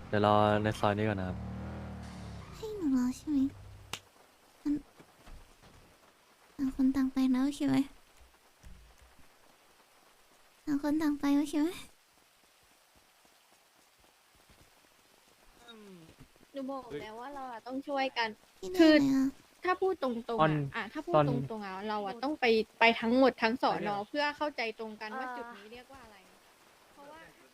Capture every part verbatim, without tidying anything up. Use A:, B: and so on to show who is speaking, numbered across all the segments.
A: เดี๋ยวรอในซอยนี้ก่อนนะครับ
B: ให้หนูรอใช่ไหมมันต่างคนต่างไปนะโอเคไหมต่างคนต่างไปโอเคไหม
C: หนูบอกแล้วว่าเราอะต้องช่วยกัน
B: พี่
C: คื
B: เรีย
C: อ
B: กอะไรอ่ะ
C: ถ้าพูดตรง
A: ตอ
C: ๆ
A: น
C: อะอ่ะถ้าพูด
A: ตอน
C: ตรงๆอะเราอะต้องไปไปทั้งหมดทั้งสอนอเพื่อเข้าใจตรงกันว่าจุดนี้เรียกว่าอะไร เพราะว่า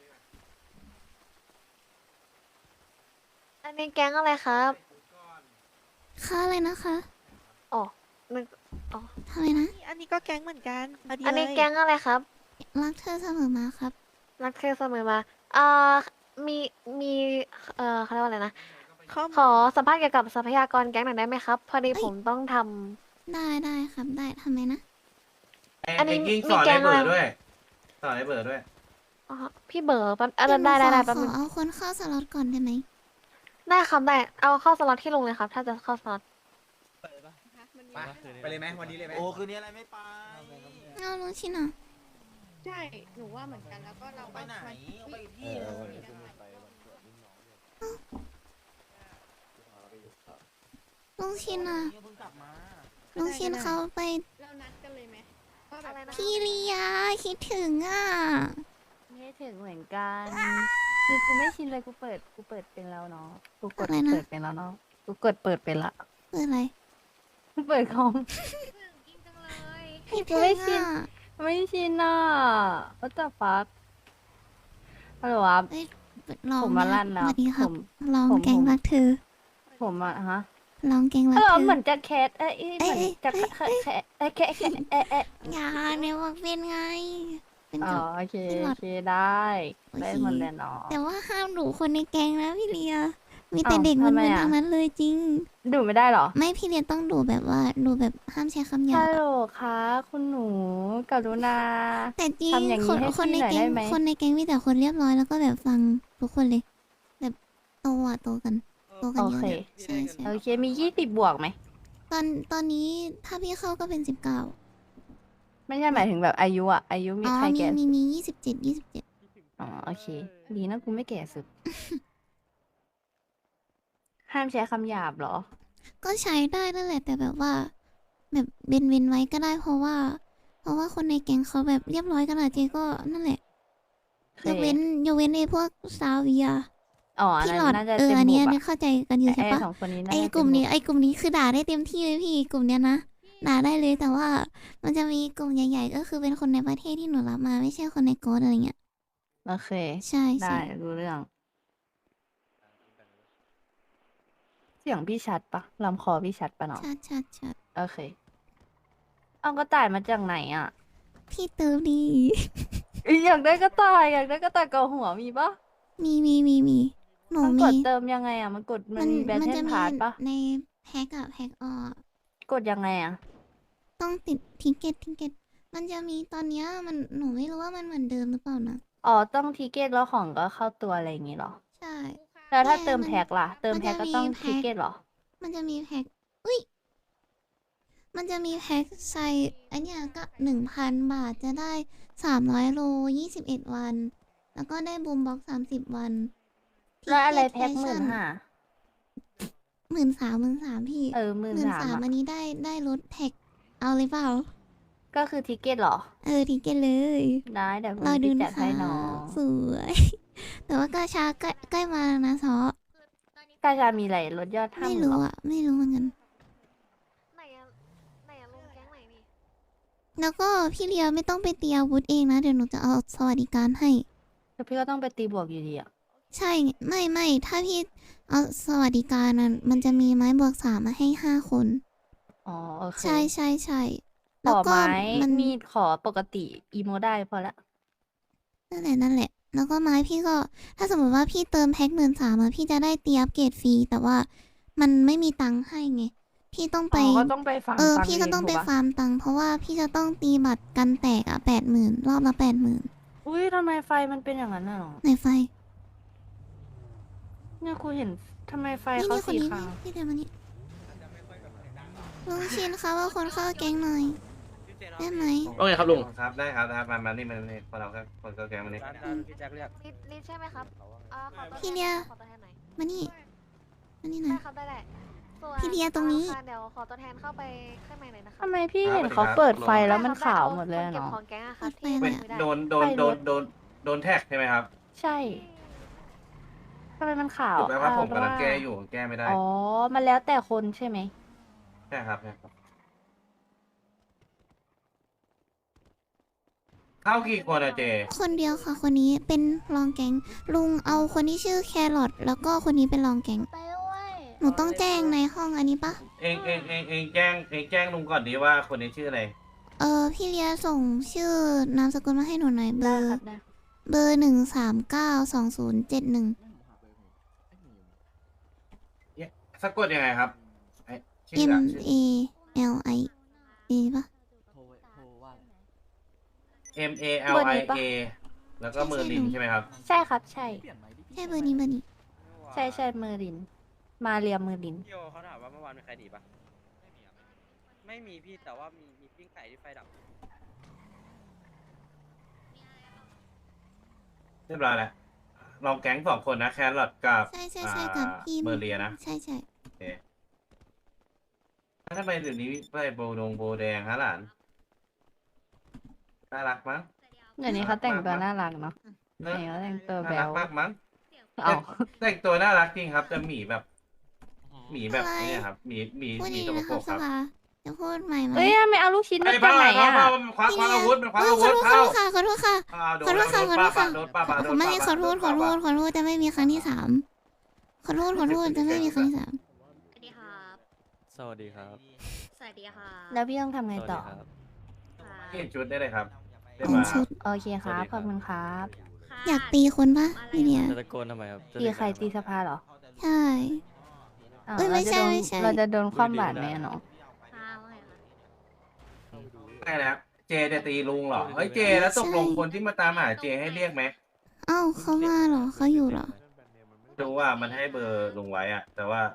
D: อันนี้แก๊งอะไรครับ
B: ค่าอะไรนะคะ
D: อ๋อนึกอ๋อ
B: ทำไมนะ
E: อันนี้ก็แก๊งเหมือนกันพอดี
D: อันนี้
E: เลย
D: แก๊งอะไรครับ
B: รักเธอเสมอมาครับ
D: รักเธอเสมอมาอ่ามี มี เอ่อเขาเรียกว่าอะไรนะ
E: ข้อ
D: ขอสัมภาษณ์เกี่ยวกับทรัพยากรแก๊งหน่อยได้ไหมครับ พอดี
B: เอ้ย
D: ผมต้องท
B: ได้ได้ครับได้ทำไมนะ
D: อันนี้
F: ไกิ้ง
D: มี
F: สอน
D: แก๊
F: ไอ้
D: ง
F: เบิร์ด
D: อะไร
F: ด้วย สอนไอ้เบิร์ดด้วย
D: ำอ๋อพี่เบอร์แป๊บอ่ะ
B: เดี๋ยวหนู
D: ได้ได้
B: ขอ
D: ได้
B: ข
D: แป๊บ
B: อ
D: นึง
B: เอาคนเข้าสล็อตก่อนได้ไหม
D: ได้ครับได้ เอาเข้าสล็อตที่ลงเลยครับ ถ้าจะเข้าสล็อต
C: มันมี
G: ไป
C: ปัญหา
G: ไปเลยไหมวันนี้เลยไหม
F: โอ้ คืนนี้อะไรไม่ไป
B: เอาลุงชินอ่ะ
C: ใช่ หนูว่าเหมือนกันแล้วก็เรา
F: ไปไหน
C: มั
F: เอาไปที่
C: เออ
F: เออ
C: มีกันหลายคน
B: ลุงชินอ่ะ
F: เพิ่งกลับมา
B: ลุงชินเขาไป
C: เรานัดกันเลยไหมว่าแบบ
D: อะไรนะ
B: พี่เลียคิดถึงอ่ะ
H: ไม่ถึงเหมือนกัน คือกูไม่ชินเลยกูเปิดกูเปิดเป็นแล้วเนาะกูกด
B: อะไรนะ
H: เปิดเป็นแล้วเนาะกูกดเปิดเป็นละ
B: เปิดอะไร
H: กูเปิดคอม
C: กินจังเลย
B: คิด
H: กู
B: ถึ
H: ไม่
B: ง
H: ชิน
B: อ่ะ
H: ไม่ชินอ่ะ what the fuck ฮัลโหลครับ
B: เอ้ยลอง
H: ผมมา
B: นะ
H: ลั่น
B: ส
H: แล้ว
B: วัสดีครับ
H: ผม
B: ลอง
H: ผม
B: แกง
H: ผม
B: รักเธอ
H: ผมอะฮะ
B: ลองแกงรั
H: ฮั
B: ก
H: ลโหล
B: เธอ
H: เหมือนจะแคทเอ้ยเหมือน
B: เอ้ย
H: จะ
B: เอ้ย
H: แคทแคทเอ้ยแคทแคทเอ้ยเอ้ย
B: อย่าเนี่ยว่าเป็นไง เป็น
H: อ๋อ
B: กับ
H: โอเค
B: เป็นหลอ
H: โอ
B: ด
H: เคได้
B: โอเค
H: ได้หมดเลยเนาะ
B: แต่ว่าห้ามดุคนในแกงนะพี่เลีย มีแต่
H: อ้าว
B: เด็ก
H: ทำ
B: มึ
H: ไม
B: นๆ
H: อะ
B: ทั้งนั้นเลยจริง
H: ดูไม่ได้เหรอ
B: ไม่พี่เลียต้องดูแบบว่าดูแบบห้ามใช้คำหยา
H: ฮั
B: บ
H: ลโหล
B: อะ
H: คะคุณหนูกรุณา
B: แต่จริง
H: ทำอย่างนี้
B: คน
H: ให้
B: คนใน
H: พี่หน่อย
B: แก๊ง
H: ได้ไหม
B: คนในแก๊งมีแต่คนเรียบร้อยแล้วก็แบบฟังทุกคนเลย แบบโตอ่ะโตกันโตกัน
H: โอ
B: เยอะ
H: เค
B: เลยใช่ใช่
H: โอเค มียี่สิบบวกไหม
B: ตอนตอนนี้ถ้าพี่เข้าก็เป็นสิบเก้า
H: ไม่ใช่หมายถึงแบบอายุอะอายุมี
B: อ๋อ
H: ใคร
B: มี
H: แก่
B: มี
H: สุด
B: มียี่สิบเจ็ดยี่สิบเจ็ด
H: อ๋อโอเค ดีนะกูไม่แก่สุด ห้ามใช้คำหยาบเหรอ
B: ก็ใช้ได้นั่นแหละแต่แบบว่า แบบเว้นเว้นไว้ก็ได้เพราะว่า เพราะว่าคนในแก๊งเขาแบบเรียบร้อยกันอะเจก็นั่นแหละ
H: โอเค
B: ยกเว้นยกเว้นไอ้พวกซาเวีย
H: อ๋ออัน
B: พี่
H: นั้น
B: หลอด
H: น่าจะ
B: เออ
H: เต็ม
B: อัน
H: บุ
B: นี้
H: ก
B: อัน
H: อะ
B: นี้เข้าใจกันอยู่ใช่
H: ไอ้
B: ปะ
H: สองคนนี้น่า
B: ไอ้
H: จะ
B: กลุ่ม
H: เต็
B: นี้
H: บุก
B: ไอ้กลุ่มนี้คือด่าได้เต็มที่เลยพี่กลุ่มเนี้ยนะด่าได้เลยแต่ว่า มันจะมีกลุ่มใหญ่ ๆ ก็คือเป็นคนในประเทศที่หนูรับมาไม่ใช่คนในโกดอะไรเงี้ย
H: โอเค
B: ใช่
H: ได้
B: ใช่
H: รู้เรื่อง เสียงพี่ชัดปะลำคอพี่ชัดปะเนาะ
B: ชัดชัดชัด
H: โอเค เอากระต่ายมาจากไหนอะ
B: พี่เติมดี
H: เอ้ยอยากได้กระต่ายอยากได้กระต่ายเกาหัวมีปะ
B: มีมีมีมีหนู
H: มันก
B: มี
H: ดเติมยังไงอะมันกดมันมีแบท
B: มั
H: เทิ
B: จะ
H: ล
B: มี
H: พาร์ทปะ
B: ในแพ็กอะแพ็กออก
H: กดยังไงอะ
B: ต้องติดทิเก็ตทิเก็ตมันจะมีตอนเนี้ยมันหนูไม่รู้ว่ามันเหมือนเดิมหรือเปล่านะ
H: อ๋อต้องทิเกตแล้วของก็เข้าตัวอะไรอย่างงี้เหรอ
B: ใช่
H: แล้วถ้า
B: เนี่ย
H: เติม
B: มัน
H: แพ็กล่ะ เติม
B: มัน
H: แพ็ก
B: จะ
H: ก็
B: มี
H: ต้อง
B: แพ็ค
H: ทิเกตเหรอ
B: มันจะมีแพ็กอุ้ยมันจะมีแพ็กใส่อันเนี้ยก็หนึ่งพันบาทจะได้สามร้อยโลยี่สิบเอ็ดวัน แล้วก็ได้บูมบ็อกสามสิบวัน
H: แล้วอะไรแพ็กหมื่นห้า
B: หมื่นสามหมื่นสามพี่
H: เออหมื่น
B: หมื่น
H: สาม
B: สาม
H: อะ
B: อันนี้ได้ได้ลดแท็กเอาเลยเปล่า
H: ก็คือทิเกตเหรอ
B: เออทิเก็ตเลย
H: ได้เดี๋ยวผม
B: รอดู
H: จะจั
B: นะ
H: ด
B: คะ
H: ให้น้อง
B: สวย แต่ว่ากาชาใกล้ใกล้มาแล้วนะซอก
H: าชามีอะไรลดยอดห้า
B: ไม่
H: หมื่น
B: รู้
H: หรอ
B: อ่ะ ไม่รู้เหมือนกัน
D: ไหนอะไหนอะลงแก๊งไหนนี่
B: แล้วก็พี่เลียไม่ต้องไปตีอาวุธเองนะ เดี๋ยวหนูจะเอาสวัสดิการให้
H: แต่พี่ก็ต้องไปตีบวกอยู่ดีอะ
B: ใช่ไม่ไม่ถ้าพี่เอาสวัสดิการนั้นมันจะมีไม้บวกสามมาให้ห้าคน
H: อ๋อโอเค
B: ใช่ใช่ใช่
H: ข
B: แล้ว
H: อ
B: ก็
H: ไม้
B: มัน
H: มีดขอปกติอีโมได้พอละ
B: นั่นแหละนั่นแหละ แล้วก็ไม้พี่ก็ ถ้าสมมติว่าพี่เติมแพ็คหมื่นสามอะพี่จะได้ตีอัปเกรดฟรีแต่ว่ามันไม่มีตังค์ให้ไง พี่ต้องไป
H: อ๋อก็ต้องไปฟัง
B: เออ
H: ตังค์
B: พี่ก็ต้องไป
H: ถูปะ
B: ฟาร์มตังค์เพราะว่าพี่จะต้องตีบัตรกันแตกอะแปดหมื่นรอบละแปดหมื่น
H: อุ้ยทำไมไฟมันเป็นอย่างนั้นน่ะหรอ
B: ในไฟ
H: เนี่ยครูเห็นทำไมไฟ
B: นี่
H: เขา
B: นี่คน
H: สี
B: นี้
H: ขาว
B: พี่เดี๋ยวมานี่ลุงชินคะว่าคนเข้าแก๊งหน่อยได้ไหม
A: ว่าไงครับลุง
F: ครับได้ครับได้มามานี่มานี่พอเราก็คนก็แกงมานี่
A: พี่แจ็คเรียก
D: ลิลิใช่ไหมครับอ่าขอตัวแทน
B: พี่เลีย
D: ขอตัวแทนหน่อย
B: มานี่มานี่หน่
D: ได้
B: อย
D: ครับได้แหละส่วน
B: พี่เลียตรงนี้
D: อ่าค่ะเดี๋ยวขอตัวแทนเข้าไปข้างในหน่อยนะคะ
H: ทำไมพี่เห็นเขาเปิดไฟแล้วมันขาวหมดเลยอะ
D: เก็บ
H: เนาะ
D: ของแก๊งอะครับ
B: เปิ
D: ที่
B: ดไฟ
F: เป็น
D: ไม่ได้
F: โดนโดนโดนโดนโดนแท็กใช่ไหมครับ
H: ใช่ทำไมมันขาว
F: ถูกไหมว่าผม
H: อ่
F: กำลัง
H: ว่า
F: แก้อยู่แก้ไม่ได้
H: อ๋อ มันแล้วแต่คนใช่ไหม
F: ใช่ครับใช่ครับเข้ากี่คนอะเจ
B: คนเดียวค่ะคนนี้เป็นรองแก๊งลุงเอาคนที่ชื่อแครอทแล้วก็คนนี้เป็นรองแก๊ง
H: ไปด้วย
B: หนูต้องแจ้งในห้องอันนี้ปะ
F: เองเองเองเองแจ้งเองแจ้งลุงก่อนดีว่าคนนี้ชื่ออะไร
B: เออพี่เลียส่งชื่อนามสกุลมาให้หนูหน่อยเบ
H: ได้
B: อร์
H: ครับได้
B: เบอร์หนึ่งสามเก้าสองศูนย์เจ็ดหนึ่ง
F: สะกดยังไงครับไอ้ชื่อ
B: M
F: อะชื่อ
B: A L I A ปะ
F: M A L I A แล้วก็เมอร์ลินใช่ไหมครับ
H: ใช่ครับ ใช่
B: ใช่เบอร์นี้เบอร์นี้
H: ใช่ใช่เมอร์ลิน มาเรียมเมอร์ลิน
A: พี่โอเขาถามว่าเมื่อวานมีใครหนีปะไม่มีพี่แต่ว่ามีมีปิ้งไก่ที่ไฟดับ
F: เรียบร้อยแล้วลองแก๊งสองคนนะแครอทกับ
B: ใช่ใช่ใช่กับพี่
F: เมอร์เลียนะ
B: ใช่ใช่
F: โอเคทำไมเดี๋ยวนี้ไปโบดงโบแดงฮะหลานน่ารักมั้ง
H: เดี๋ยวนี้เขาแต่งตัวน่ารักเนาะ
F: เนอะ
H: เดี๋ยวเขาแต่งตัว
F: น่า
H: แบ
F: รัก
H: ว
F: มากมั้ง
H: เอา
F: แต่งตัวน่ารักจริงครับแต่หมีแบบหมีแบบนี้ครับหมีหมี
B: พูด
F: หมี
B: ดี
F: ต
B: ๆ
F: ก
B: นะ
F: ป
B: ค
F: ร
B: รับ
F: ก
B: ส
F: ครับ
B: ภาจะพูดใหม่ไหม
H: เอ้ยไม่เอาลูกชิ้นมา
F: ไอ้
H: จาก
F: บ้า
H: ไหน
F: เข้า
H: อ่ะ
F: เข้ามันคว้าคว้าอาวุธมันคว้า
B: เออ
F: อา
B: ข
F: วุ
B: อ
F: ธ
B: โทษ
F: เข้า
B: ค่ะขอโทษค่ะ
F: อ่าโด
B: ขอน โทษค่ะขอโทษค่ะ
F: โดนป้าป้าโดน
B: ไม่
F: ป้า
B: ขอโทษขอโทษขอโทษจะไม่มีครั้งที่สามขอโทษขอโทษจะไม่มีครั้งที่สาม
D: สวัสดีครับ
G: สวัสดีครับ
D: สวัสดีค่ะ
H: แล้วพี่ต้องทำไงต่อ
G: สวัสดีครับ
F: เปลี่ยนชุดได้เลยครับได้
B: เปลี่ย
F: มาน
B: ชุด
H: โอเคครับ ขอบคุณครับ
B: อยากตีคนปะพี่เนี่ย
G: จะตะโกนทำไมครับจะ
H: ตี
G: เด็ก
H: ใคร
G: อะไ
H: ตีสภาเหรอ
B: ใช่
H: อ้าว
B: เอ้ยไม่ใช่
H: เราจะโดน
B: ไม่ใช่
H: เราจะโดนความบาดไหมอะน้อง
F: ได้แล้วเจจะตีลุงเหรอเฮ้ยเจแล้วตกลงคนที่มาตามหาเจให้เรียกไหม
B: เอ้าเขามาเหรอเขาอยู่เหรอ
F: รู้ว่ามันให้เบอร์ลุงไว้อะแต่ว่า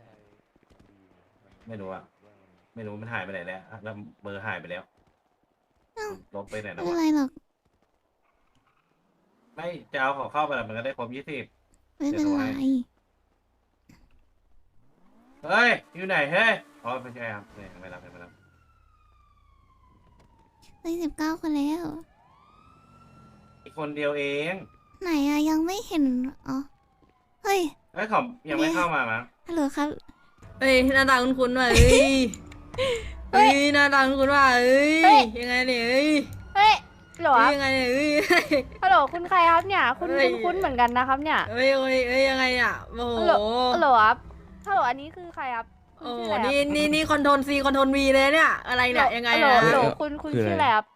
F: ไม่รู้อะไม่รู้มันหายไปไหนแล้วอะแล้วเบอร์หายไปแล้ว
B: เอ้า
F: ลบไปไหน
B: ไม่
F: แล้ว
B: เป็น
F: วะ
B: ไรหรอก
F: ไม่จะเอาของเข้าไปแล้วมันก็ได้ครบยี่สิบ
B: ไม่เป็นไร
F: เฮ้ยอยู่ไหนเฮ้ยอ๋อไม่ใช่ครับไม่ไม่รับไม่รับ
B: ได้สิบเก้าคนแล้ว
F: อีกคนเดียวเอง
B: ไหนอะยังไม่เห็นอ๋อเฮ้ย
F: เฮ้ยขอบยังไม่เข้ามามั้ง
B: ฮัลโหลครับ
I: เฮ้ยหน้าตาคุ้นๆว่ะเฮ้ย เฮ้ยหน้าตาคุ้นๆว่ะเฮ้ย
H: เฮ้ย
I: ยังไงเนี่ยเฮ้ย
H: เฮ้ยฮัลโหลค
I: เฮ้
H: รั
I: ย
H: บ
I: ยังไงเนี่ยเฮ้ย
H: ฮัลโหลคุณใครครับเนี่ย คุณ
I: เฮ้ย
H: คุณคุ้นเหมือนกันนะครับเนี่ย
I: เฮ้ยเฮ้ยเฮ้ยยังไงอ่ะโอ้โห
H: ฮัลโหลฮัลโหลครับฮัลโหลอันนี้คือใครครับคุณ
I: โอ้โห
H: ชื่ออะไร
I: นี่
H: ครับ
I: นี่นี่คอนโทรลซีคอนโทรลวีเลยเนี่ยอะไรเนี่ยยังไง
H: ฮัลโหล
I: นะ
H: ฮัลโหลคุณคุณชื่ออะไรครับ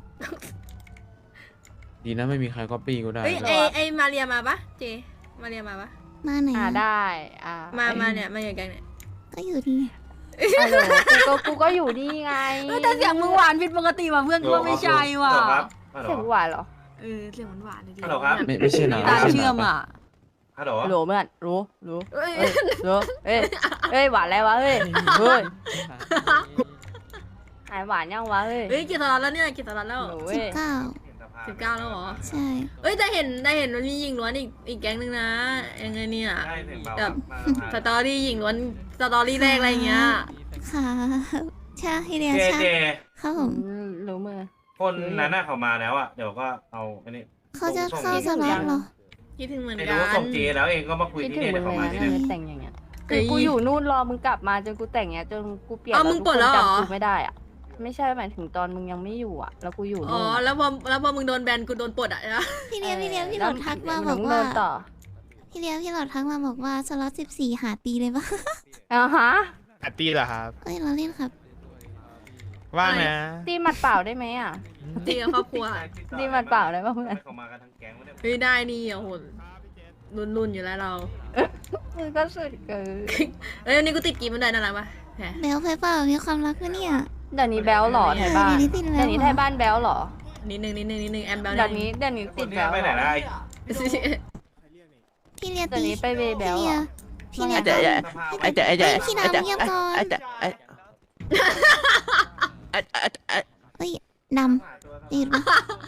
G: ดีนะไม่มีใครก๊อปปี้กูได้
I: เฮ้ยไอไอมาเรียมาปะเจมาเรียมาปะ
B: มาไหน
H: อ่า
B: อะ
H: ได้อ่า
I: มามาเนี่ยมาอย่างไงเนี่ย
B: ก็อยู่นี่
H: ฮัลโหลกูก็กูก็อยู่นี่ไง
I: เฮ้ยแต่เสียงมึงหวานผิดปกติว่ะเพื่อนกูว่าไม่ใช่ว่ะ
F: ฮัลโหลครับฮัลโหล
H: เสียงหวานเหรอ
I: เออเสียงหวานๆเลยดิ
F: ฮัลโหลครับ
G: ไม่ไม่ใช่นะ
I: ตา
G: ไม่ใช่นะ
I: เชื่อมอ่ะ
F: ฮัลโหล
H: ฮัลโหลเพื่อนรู้รู้
I: เอ้ย
H: เอ้ยรู้เอ้ยเอ้ยหวานอะไรวะเฮ้ยเฮ้ยหายหวานยังวะเฮ้ย
I: เฮ้ยกี่ตลอดแล้วเนี่ยกี่ตลอดแล้ว
H: หนู
B: สิ
H: เว้
B: บ
H: ย
B: เก้า
I: สิบเก้าแล้วเหรอ
B: ใช่
I: เอ้ยแต่เห็นได้เห็นวันนี้ยิงล้วนอีกอีกแก๊งนึงนะยังไงเนี่ย
F: ใช่ถึงเบา
I: แบบ
F: มา
I: สตอรี่ยิงล้วนสตอรี่แรกอะไรอย่างเงี้ย
B: ค่ะใช่พี่เดีย
F: เจ
B: ใช่
F: เจ
B: ครับผม
H: อืมรู้มือ
F: คนนั้นน่ะเขามาแล้วอ่ะเดี๋ยวก็เอาอันนี้
B: เขาจะ
F: ส่ง
B: เข้า
F: ส่ง
B: สล็อตเหรอ
I: คิดถึงเหมือน
F: ไม่
I: กั
F: รู้
I: น
F: ส่งเจแล้วเองก็มาคุย
H: คิด
F: ที่
H: ถึง
F: เนี่ย
H: มึ
F: เดี๋ยว
H: ง
F: เขา
H: เลย
F: มา
H: นะ
F: ที่
H: เนี่
F: เนี่ย ย
H: แต่งอย่างเงี้ยคือกูอยู่นู่นรอมึงกลับมาจนกูแต่งเงี้ยจนกูเปลี่ยน
I: อ้าวมึงปลดแล้วเหรอ
H: จำกูไม่ได้อะไม่ใช่หมายถึงตอนมึงยังไม่อยู่อ่ะ แล้วกูอยู่
I: อ๋อ
H: นู่นอะ
I: แล้วพอแล้วพอมึงโดนแบนกูโดนปลดอ่ะนะ
B: พี่เดียพี่เดียพี่หล
H: แล้ว
B: อดทักมา
H: แล้ว
B: บอก
H: มึง
B: ว่า
H: เดินต่อ
B: พี่เดียพี่หลอดทักมาบอกว่าสล็อตสิบสี่หาตีเลยปะ
H: อ่าฮะ
J: ปาร์ตี้เหรอครับ
B: เอ้ยเราเล่นครับ
J: ว่างนะ
H: ตีหมัดเปล่าได้ไหมอ่ะ
I: ตีกับครอบครัว
H: นี่มันเปล่าเลยปะเพื่อน
F: เขามากันทั้งแก๊งวะเนี่ย
I: เฮ้ยได้นี่อ่ะโหรุนรุนๆอยู่แล้วเรา
H: มึงก็สุดเกิน
I: เอ้ยวันนี้กูติดกีมันได้น่ารักปะแหม
B: เบลเพเปอร์มีความรักด้วยเนี่ย
H: เดี๋ยวนี้แบลหรอไทยบ้าน
B: เดี๋ยวนี้ติดแล้ว
H: เดี๋ยวนี้ไทยบ้านแบลหรอ
I: นิดนึงนิดนึงนิดนึงแอมเบล
H: เดี๋ยวนี้เดี๋ยวนี้
F: ค
H: ติ
F: น
H: ด
F: ที่
H: แบล
F: ไปไหน
H: หร
F: ได้
H: อ
B: พี่เลีย
H: เดี๋ยว
B: ตี
H: นี้ไปเวย์แบ
B: พี่
H: ล
B: เลี
H: เหร
B: ย
H: อ
B: พี่เลีย
G: ไอ้เจ๊ไอ้เจ๊ไอ้เจ๊
B: พี่น้ำเงียบก่อน
G: ไอ้เจ๊ไอ้ไอ้ไอ้ไอ้
B: เฮ้ดำติดปะ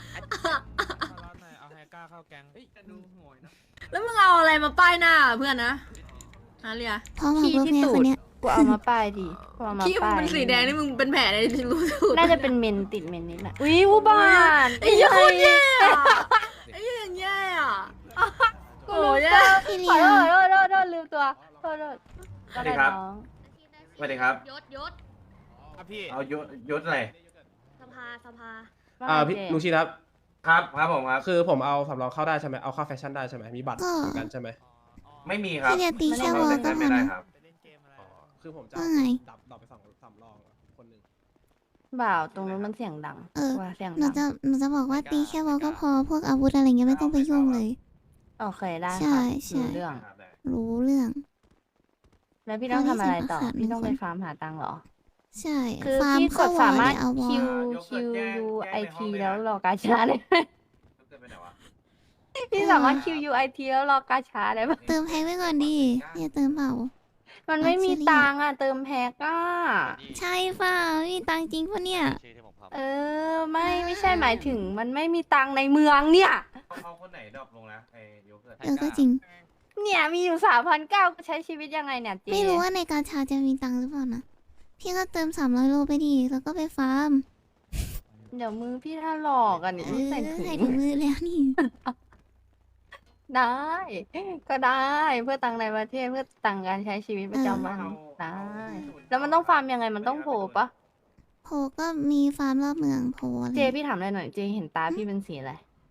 J: เอาไฮก้าเข้าแก๊ง
I: แล้วมึงเอาอะไรมาป้ายหน้าเพื่อนนะฮะเรีย
B: เพราะว่าพวกเนี้ยคนเนี้ย
H: กูเอามาป้ายดิกูเอามา
I: ขี้มึง
H: ป้าย
I: เป็นสีแดงนี่มึงเป็นแผลในรู้สึก
H: น่าจะเป็นเมนติดเมนนิดน่ะอุ้ยอุบาท
I: ไอ้เหี้ยโคตรแย่อะไอ้เหี้ยอย่างแย่อะโอ้ยแย่
B: พี่เลี
H: ขอย โทษโทษโทษโทษลืมตัวโทษโทษ
F: สวัสดีครับ
H: น้อง
F: สวัสดีครับ
I: ยศยศ
J: ครับพี่
F: เอายศยศอะไร
I: สภาสภา
H: ว่า
K: อ่า
H: ไง
K: พี่
H: เจ
K: ลุงชิดครับ
F: ครับครับผมครับ
K: คือผมเอาสำรองเข้าได้ใช่ไหมเอาเข้าแฟชั่นได้ใช่ไหมมีบัตรเหมือนกันใช่ไหม
F: ไม่มีครับ
B: พี่เลียตีแค่วอลก็พ
F: ไม่
B: อ
F: ได้
B: นะครับ
K: อ๋อคือผมจะ
B: ว่าไง
K: ดับดับไปสองสำรองคนหนึ่ง
H: บ่าวตรงนู้นมันเสียงดัง
B: เออ
H: ว่าเสียง
B: หนู
H: ดั
B: จะ
H: ง
B: หนูจะบอกว่าตีแค่วอลก็พอพวกอาวุธอะไรเงี้ยไม่ต้องไปยุ่งเลย
H: โอเคได้
B: ใช่
H: ค่ะ
B: ใช่
H: รู้เรื่อง
F: ครับได้
B: รู้เรื่อง
H: แล้วพี่ต้องทำอะไรต่อ
B: พอได้เสียงประสาน
H: พี่ต้องไป
B: มีคน
H: ฟาร์มหาตังค์เหรอ
B: ใช่
H: คือ
B: ฟาร์ม
H: พี่ก
B: เข้า
H: ด
B: วอ
H: สา
B: ล
H: มารถ
B: เนี่ยเอาวอ
H: Q
B: ล
H: Q U I T แล้วรอกาชาได้ไหม
F: เกิดไปไหนวะ
H: พี่สามารถ Q U I T แล้วรอกาชาได้ไหม
B: เติมแพ็คไว้ก่อนดิอย่าเติมเปล่า
H: มันไม่มี
B: ซีเรียส
H: ตังค์อ่ะเติมแพ็กอ่ะ
B: ใช่เปล่าไม่มีตังค์จริงปะเนี่ย
H: เออไม่ไม่ใช่หมายถึงมันไม่มีตังค์ในเมืองเนี่ย
F: เอาคนไหนดรอปลงนะไอ้โยเกิร์ต
B: เออก็จริง
H: เนี่ยมีอยู่สามพันเก้าใช้ชีวิตยังไงเนี่ยเจ
B: ไม่รู้ว่าในกาชาจะมีตังค์หรือเปล่านะ พี่ก็เติมสามร้อยโลไปดิแล้วก็ไปฟาร์ม
H: เดี๋ยวมือพี่ถ้าหลอกอ่ะเนี่ย
B: เอ
H: พี่
B: อ
H: ใส่ถุ
B: ใส่
H: ง
B: ถุงมือแล้วนี่
H: ได้ ก็ได้เพื่อตังค์ในประเทศเพื่อตังค์การใช้ชีวิตประจำวันได้ แล้วมันต้องฟาร์มยังไงมันต้องโผล่ปะ
B: โพก็มีฟาร์มรอบเมืองโพอะไร
H: เจพี่ถามอะไรหน่อยเจเห็นตาพี่เป็นสีอะไร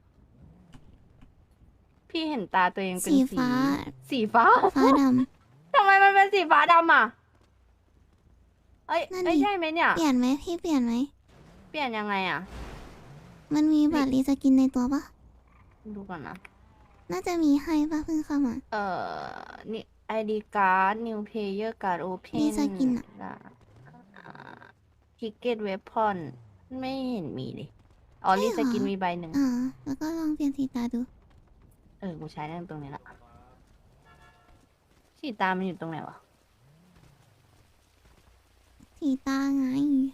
H: พี่เห็นตาตัวเองเป็น
B: สี
H: สี
B: ฟ้า
H: สีฟ้า
B: ฟ้าด
H: ทำไมมันเป็นสีฟ้าดำอ่ะเอ้ย
B: นั่นดิ
H: ไม่ใช่ไหมเนี่ย
B: ำเปลี่ยนไหมพี่เปลี่ยนไหม
H: เปลี่ยนยังไงอ่ะ
B: มันมีบัตรรีสกินในตัวปะ
H: ดูก่อนนะ
B: น่าจะมีให้ปะเพิ่งเข้ามา
H: เอ่อนี่ ไอ ดี card new player card open
B: มีสกินอะ
H: ทิกเก็ตเวพอนไม่เห็นมีเลยอ๋อ
B: ใช่
H: รี
B: เหร
H: ส
B: อ
H: กินมีใบหนึ่ง
B: อ่า แล้วก็ลองเปลี่ยนสีตาดู
H: เออ กูใช้ได้ตรงนี้ละสีตามันอยู่ตรงไหนวะ
B: สีตาไง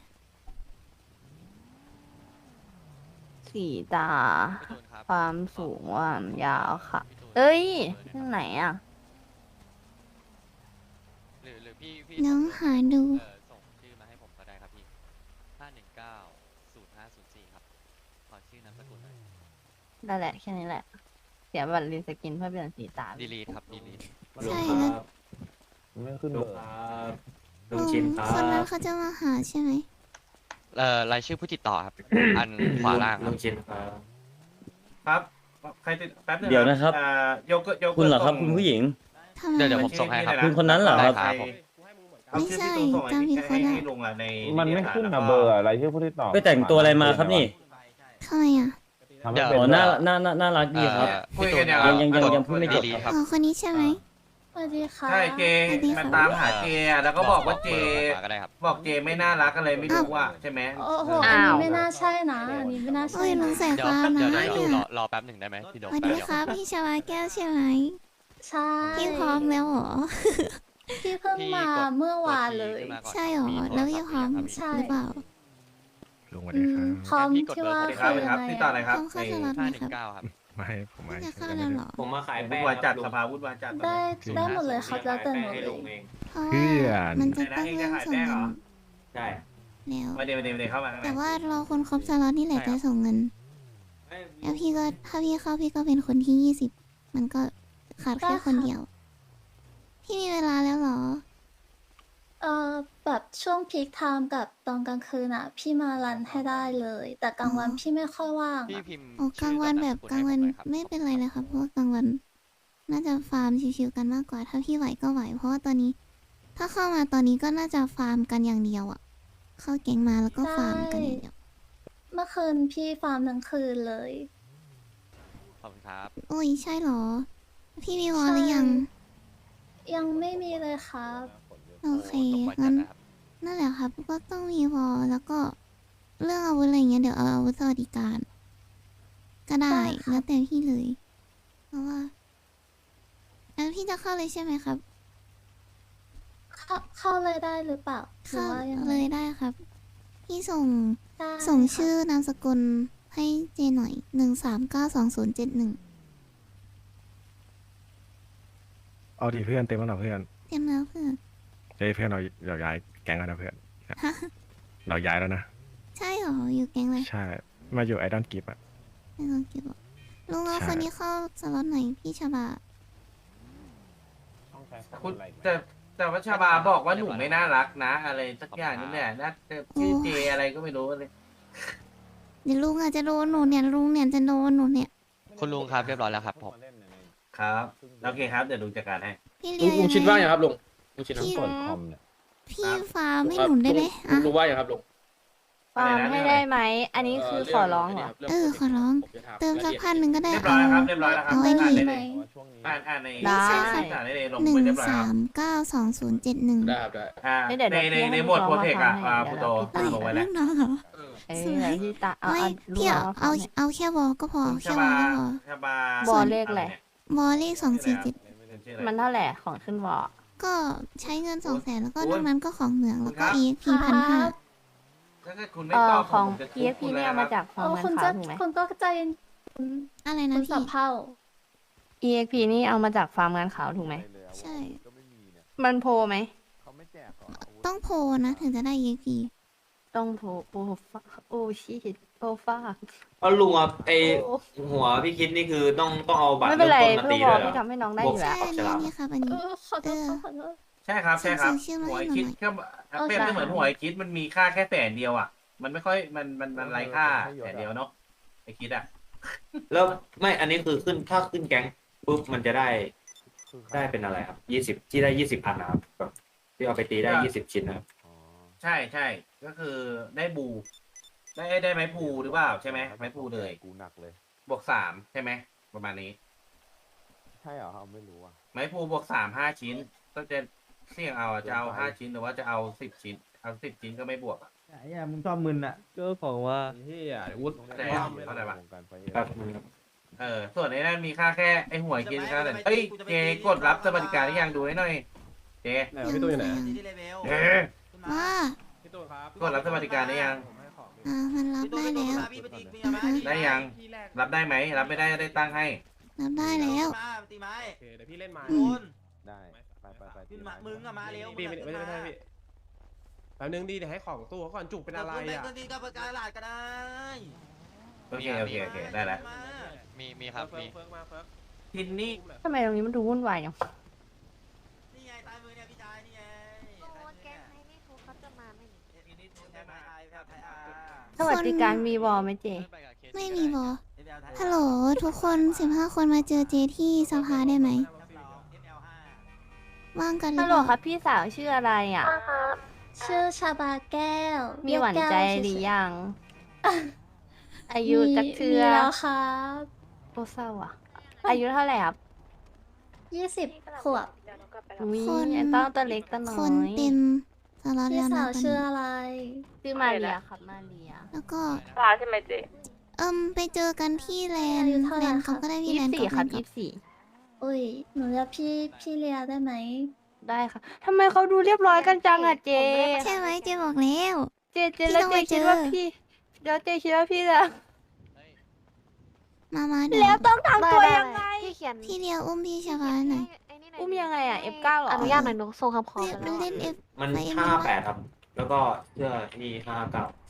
H: สีตา ความสูงความยาวค่ะ เอ้ยตรงไหนอ่ะ
G: หรือหรือพี่พี่
B: น้องหาดู
G: เออส่งชื่อมาให้ผมก็ได้ครับพี่ห้าหนึ่งเก้าศูนย์ห้าศูนย์สี่ครับขอชื่อนามสกุลหน่อย
H: ได้แหละ แค่นี้แหละ เสียบัตรรีสกินเพื่อเปลี่ยนสีตา
G: ดีลีทครับดีลีท
B: ใช่แล้ว
K: ไม่ขึ้นเบอร์
B: ลุงคนนั้นเขาจะมาหาใช่ไหม
G: เอ่อรายชื่อผู้ติดต่อครับ อันขวาล่างครับ
F: ครับใครติดแป๊บนึง
L: เดี๋ยวนะครับ
F: อ่าโยเกิร์ตโยเกิร์ต
L: คุณเหรอครับ
F: ส่ง
L: คุณผู้หญิง
B: ทำไม
G: เดี๋ยวเดี๋ยวผมส่งให้ครับ
L: คุณคนนั้นเหรอครับ
G: ได้ครับผม
F: เอาชื่อพี่ตูนส่ง
B: ไม่ใช่จำผิดคน
F: ให้
B: ละ
F: ให้ลุงอ่ะใน
J: มันไม่ขึ้น
F: แล้ว
J: อะ
F: ก็
J: เบอร์อะไรชื่อผู้ที่ตอบ
L: ไปแต่งตัวอะไรมาครับนี่
B: ทำไมอ่ะ
J: ทำ
G: เดี๋
J: ให้
G: ยว
J: เป็น
L: อ๋อ
J: ด้วย
L: น่าน่าน่าน่าน่ารักดีครับ
F: คุยกันเนี่ย
L: ยังยังยังยังพูดไม่จบ
G: ดีลีทครับ
B: อ๋อ คนนี้ใช่ไหม
H: สวัสดีค่ะ
F: ใช่เจ
B: สวัสดีค่ะ
F: มาตามหาเจอ่ะแล้วก็บอกว่าเจ
G: บอร์ผมมาก็ได้ครับ
F: บอกเจไม่น่ารักอะไรไม่รู้อ่ะใช่ไหม
H: โอ้โหอันนี้ไม่น่าใช่นะ
F: อันนี้ไม่น่า
B: โอ้ยลุงใส่
G: เดี๋ยว
B: ฟ้า
G: เดี๋ยว
B: นะ
G: เดี๋ยว
B: เนี่
G: รอย รอแป๊บหนึ่งได้ไหมพี่โด
B: ส
G: ม
B: วัส
G: แป๊บ
B: ดี
G: เดียว
B: ครับพี่ชวาแก้วใช่ไหม
H: ใช่
B: พี่พร้อมแล้วเหรอ
H: พี่เพิ่งมาเมื่อวานเลย
B: ใช่เหรอ แล้วพี่พร้อมหรือเปล่า
J: ลุงสวัสดีครับ
H: พร้อมที่ว่า
F: สวัสดีครับสวัสดีครับติดต่ออะไรครับ
B: ต้องเข้าสล็อตไห
G: ห้าม หนึ่
B: ครับ
G: งเก้าครับ
J: ไม่ผมไม่
B: จะเข้าแล้วเหรอ
A: ผมมาขาย
F: วุ่นวายจัดสภาวุ่นวายจัด
H: ได้ได้หมดเลยเขาจะเตือนหนู
F: ให้
H: เล
F: ลุ
H: ย
F: งเอง
B: เพราะว่ามันจะต้องเริ่มส่งเงิน
F: ใช่
B: แล้ว
F: มาเดี๋ยวมาเดี๋ยวมาเดี๋ยวเข้ามาข้างใน
B: แต่ว่ารอคนครบสล็อตนี่แหละจะส่งเงิน แล้วพี่ก็ถ้าพี่เข้าพี่ก็เป็นคนที่ยี่สิบ มันก็ขาดแค่คนเดียว พี่มีเวลาแล้วเหรอ
H: เอ่อแบบช่วงพีคไทม์กับตอนกลางคืนอ่ะ พี่มารันให้ได้เลย แต่กลางวันพี่ไม่ค่อยว่าง
G: พี่
H: อะ
G: พิมพ์
B: โอ้กลางวันแบบกลางวันไม่เป็นไรเลยครับ เพราะว่ากลางวัน น่าจะฟาร์มชิวๆกันมากกว่า ถ้าพี่ไหวก็ไหว เพราะว่าตอนนี้ ถ้าเข้ามาตอนนี้ก็น่าจะฟาร์มกันอย่างเดียวอะเข้าแก๊งมาแล้วก็ฟาร์มกันอย่างเดียว
H: เมื่อคืนพี่ฟาร์มทั้งคืนเลย
G: ขอบคุณครับ
B: โอ้ยใช่เหรอ พี่มีวอลหรือยัง
H: ยังไม่มีเลยครับ
B: โอเค
G: ตรงไปจั
B: งั้
G: ด
B: น
G: นะครับ
B: นั่นแหละครับ ก็ต้องมีวอลแล้วก็เรื่องอาวุธอะไรเงี้ยเดี๋ยวเอาอาวุธสวัสดิการ ก็ได้
H: ได้ค่ะ
B: แล้วแต่พี่เลย เพราะว่าแล้วพี่จะเข้าเลยใช่ไหมครับ
H: เข้าเข้าเลยได้หรือเปล่าหรือ
B: เข้า
H: ว่ายังไง
B: เลยได้ครับ พี่ส่งส่งชื่อนามสกุลให้เจหน่อยหนึ่งสามเก้าสองศูนย์เจ็ดหนึ่ง
J: เอาดิเพื่อนเต็มแล้วเหรอเพื่อน
B: เตรียมแล้วเพื่อน
J: เฮ้ยเพื่อนเราเราย้ายแก๊งแล้วนะเพื่อน
B: ฮะ
J: เราย้ายแล้วนะ
B: ใช่เหรออยู่แก๊งอะไร
J: ใช่ มาอยู่ไอดอลกิฟอะ
B: ไม่ต้องเก็บหรอกลุงเอา
J: ใช่
B: คนนี้เข้าสล็อตไหนพี่ชาบา
F: คุณแต่แต่ว่าชาบาบอกว่าหนูไม่น่ารักนะ อะไรสักอย่างนี่แหละน่าจะชื่อเจอะไรก็ไม่รู้เลย
B: เดี๋ยวลุงอาจจะโดนหนูเนี่ยลุงเนี่ยจะโดนหนูเนี่ย
G: คุณลุงครับเรียบร้อยแล้วครับผม
F: ครับโอเคครับเดี๋ยวลุงจัดการให้
B: พี่
K: ลุ
B: เลี
K: ง
B: ย
K: ลุงชิดว่าอย่างครับลุงลุงชิด
B: พี่
K: ว่า
B: พี่ฟ้าไม่หนุนได้ไหม
K: ลุ
B: อ่ะ
K: งลุงว่าอย่างครับลุง
H: ฟาร์มให้ได้ไหม อันนี้คือขอร้องเหรอ
B: เออขอร้อง เติมสักพันหนึ่งก็ได้
F: เรียบร้
B: เอา
F: อยแล้วครับเรียบร้อยแล้วครับ
B: เอาไอ้
F: อ่าน
B: นี่
F: ได้เลยอ่านอ่านใน
H: ได้
F: อ่านได้เลยลง
B: หนึ่
F: ไป
B: ง
F: เรียบร้อยค
B: สา
F: รับ
B: มเก้าสองศูนย์เจ็ดหนึ่ง
K: ได้ครับได้
F: อ่า
H: ไม่เดี๋ยว
F: ใน
H: เดี๋ยว
F: ใน
H: พี่
F: ใน
H: ให้
F: หมวด
H: ลู
F: โป
H: ก
F: ร
H: น้อง
F: เทค
H: มา
F: อะ
H: ทำให้
F: อ่า
H: เดี๋
F: พุ
H: ยว
F: โต
H: เราพี่
B: เอ้ย
F: ลงไว้แล้ว
B: ลูกน้องเหรอ
H: เออ
B: สวย
H: พี่ตาเอา
B: ไม่
H: เอาลูก
B: พี่
H: น้
B: เอา
H: อง
B: เอา
H: มาทำให้
B: เอาแค่วอลก็พอ
F: ชา
B: แค่ว
F: บา
B: อลก็พอ
F: ชาบา
H: บอลเลขอะไร
B: วอลเลขสองสี่เจ็ด
F: ชื่ออะไร
H: มันเท่าไหร่ของขึ้นวอ
B: ก็ใช้เงินสองแสนแล้วก็
F: โอ้
B: นอย กนั้นก็ของเหมืองแล้วก็
F: ครับ
B: เอ็กพีพันห้า
F: ถ้าเกิดคุณไม่
H: เอ่
F: ต
H: อ
F: อบ
H: ของ
F: ผมจะทุ
H: พี
F: บ
H: เอฟ
F: คุ
H: พี
F: ณ
H: นี่
F: แล้ว
H: เอา
F: นะ
H: มา
F: ค
H: จา
F: รับ
H: กฟาร์มเงินขาวถูกไหม
I: คุณก็ใจเย็น
B: อะไรนะ
I: คุณ
B: พี่
I: สับเผ่า
H: อีเอ็กพีนี่เอามาจากฟาร์มงานขาวถูกไหม
B: ใช่
H: มันโพลไหม
B: ต้องโพลนะถึงจะได้เอ็กพี
H: ต้องโพลโอ้ฟ้าโอ้ชิตโอ้ฟ้า
M: เอาลุงอ่ะไอ
H: โอ้
M: หัวพี่คิดนี่คือต้องต้องเอาบัตร
H: ไม่เป็นไร
M: เริ่มต้นมา
H: เพื่อ
M: ตี
H: วอ
M: ด้วยเหร
H: พี่
M: อ
H: ทำให้น้องได้อยู่
B: ใช่
H: แล้ว
B: อันนี้นี่ครับอัน
I: เอ
B: นี้
I: อขอโทษครับขอโทษ
F: ใช่ครับใช่ครับ
B: ส่งชื่อมา
F: หัว
B: ให้
F: ไอ
B: หนู
F: คิด
B: หน่อย
F: ก็เปรียบได้เหมือนหัวไอคิดมันมีค่าแค่แสนเดียวอ่ะ มันไม่ค่อยมันมันมันไร้ค่าแสนเดียวเนาะไอคิดอ่ะ
M: แล้วไม่อันนี้คือขึ้นถ้าขึ้นแก๊งปุ๊บมันจะได้ได้เป็นอะไรครับยี่สิบที่ได้ยี่สิบอันนะครับแบบที่เอาไปตีได้ยี่สิบชิ้นนะครับ
F: ใช่ใช่ก็คือได้บู ได้ได้ไม้พูหรือเปล่าใช่ไหมไม้พูเลย
J: กูหนักเลย
F: บวกสามใช่ไหมประมาณนี้
J: ใช่เหรอครับไม่รู้อ่ะ
F: ไม้พูบวกสามห้าชิ้นต้องจะเสี่ยงเอาอะจะเอาห้าชิ้นหรือว่าจะเอาสิบชิ้นเอาสิบชิ้นก็ไม่บวกอ่ะ
L: ไอ้มึงชอบมึนอ่ะก็ของว่า
K: เฮียวุฒิ
F: แต่เข้าใจปะ
M: ครับ
F: เออส่วนไอ้นั่นมีค่าแค่ไอ้หวยกินค่าแต่เอ้ยเจกดรับสวัสดิการหรือยังดูให้หน่อยเจ
K: ไหนวะพี่ตู้อยู่ไหน
F: เอ๊ะ
B: ว่า
K: พี่ตู้ครับ
F: กดรับสวัสดิการได้ยัง
B: อ่ามันรับได้แล้วอ่าฮะ
F: ได้ยัง รับได้ไหมรับไม่ได้ได้ตั้งให้
B: รับได้แล้ว
K: โอเคเดี๋ยวพี่เล่นไม้
B: อืม
J: ได้ไปไปไป
I: ขึ้นมามึงอะมาเร็ว
K: พี่ไม่ไม่ใช่ไม่ใช่พี่แป๊บนึงดีเดี๋ยวให้ของตู้เขาก่อนจุกเป็นอะไรอ่ะ
I: เงินดีกับประกันหลาดก็ได้
F: โอเคโอเคโอเคได้แล้ว
G: มีมีครับ
K: เฟิ
G: มี
K: ร์กเฟิร์กมาเฟิร์ก
F: ทินนี่
H: ทำไมตรงนี้มันดูวุ่นวายอย่าง
I: นี่ไงตายมือเนี่ยพี่ชายนี่ไง
D: แก๊งไอ้นี่เขาเขาจะมาไหมนี่
H: สวัสดิการมีวอลไหมเจ
B: ไม่มีบอฮัลโหลทุกคนสิบห้าคนมาเจอเจที่สภาได้ไหมว่างกันหรื
H: ฮั
B: อ
H: ล
B: เป
H: โหล
B: ล่า
H: ครับพี่สาวชื่ออะไรอ่ะ
I: ชื่อชาบาแก้ว
H: มีหวานใจหรือยัง อายุจักเทือ
I: มีแล้วครับ
H: โอ้เศร้าอ่ะ อายุเท่าไหร่ครับ
I: ยี่สิบขวบ
H: อุ้ย
B: คน
H: ต้องตัวเล็กตัวน้
B: ค
H: อน ย
B: เต็มสล็อต
I: พี่
B: แล้ว
I: สา
B: นะ
I: ว
B: ตอน
I: ชื่อ
B: นี้
I: อะไร
H: ชื่อมาเรียครับมาเรีย
B: แล้วก็
H: สาวใช่ไหมเจ
B: เอิมไปเจอกันที่แลนด์แลนด์เขาก็ได้พี่
H: ยี่
B: แล
H: สิ
B: น
H: บ
B: ด์
H: สี่
B: กับ
H: ครับ
B: แลนด์
H: ยี่สิบสี่
I: อุ้ยหนูเรียกพี่พี่เลียได้ไหม
H: ได้ค่ะทำไมเขาดูเรียบร้อยกันจังอ่ะเจ
B: ใช่ไหมเจบอกแล้ว
H: เจเจแล้ว
B: พี่
H: เจ
B: ต้องไป
H: คิดว่า
B: เจอ
H: พี่แล้วเจคิดว่าพี่จะ
B: มามาเดี๋ย
H: แล้ว
B: ว
H: ต้องทำตัวยังไง
D: พี่เขียน
B: พี่เดียวอุ้มพี่ชาบาหน่อย
D: ไนี่หน่
H: อุ้มยังไงอ่ะ เอฟ เก้า เหรอ
D: อนุญาตหน่อยหนูส่งคำขอ
B: เล่น
D: ไป
B: มัน
D: แล้ว
B: เล่นเอฟ
M: มัน
B: ไปเอ็ม
M: ห้า
B: เอ็ม
M: แปดครับ แล้วก็เสื้อนี่ห้าเก้า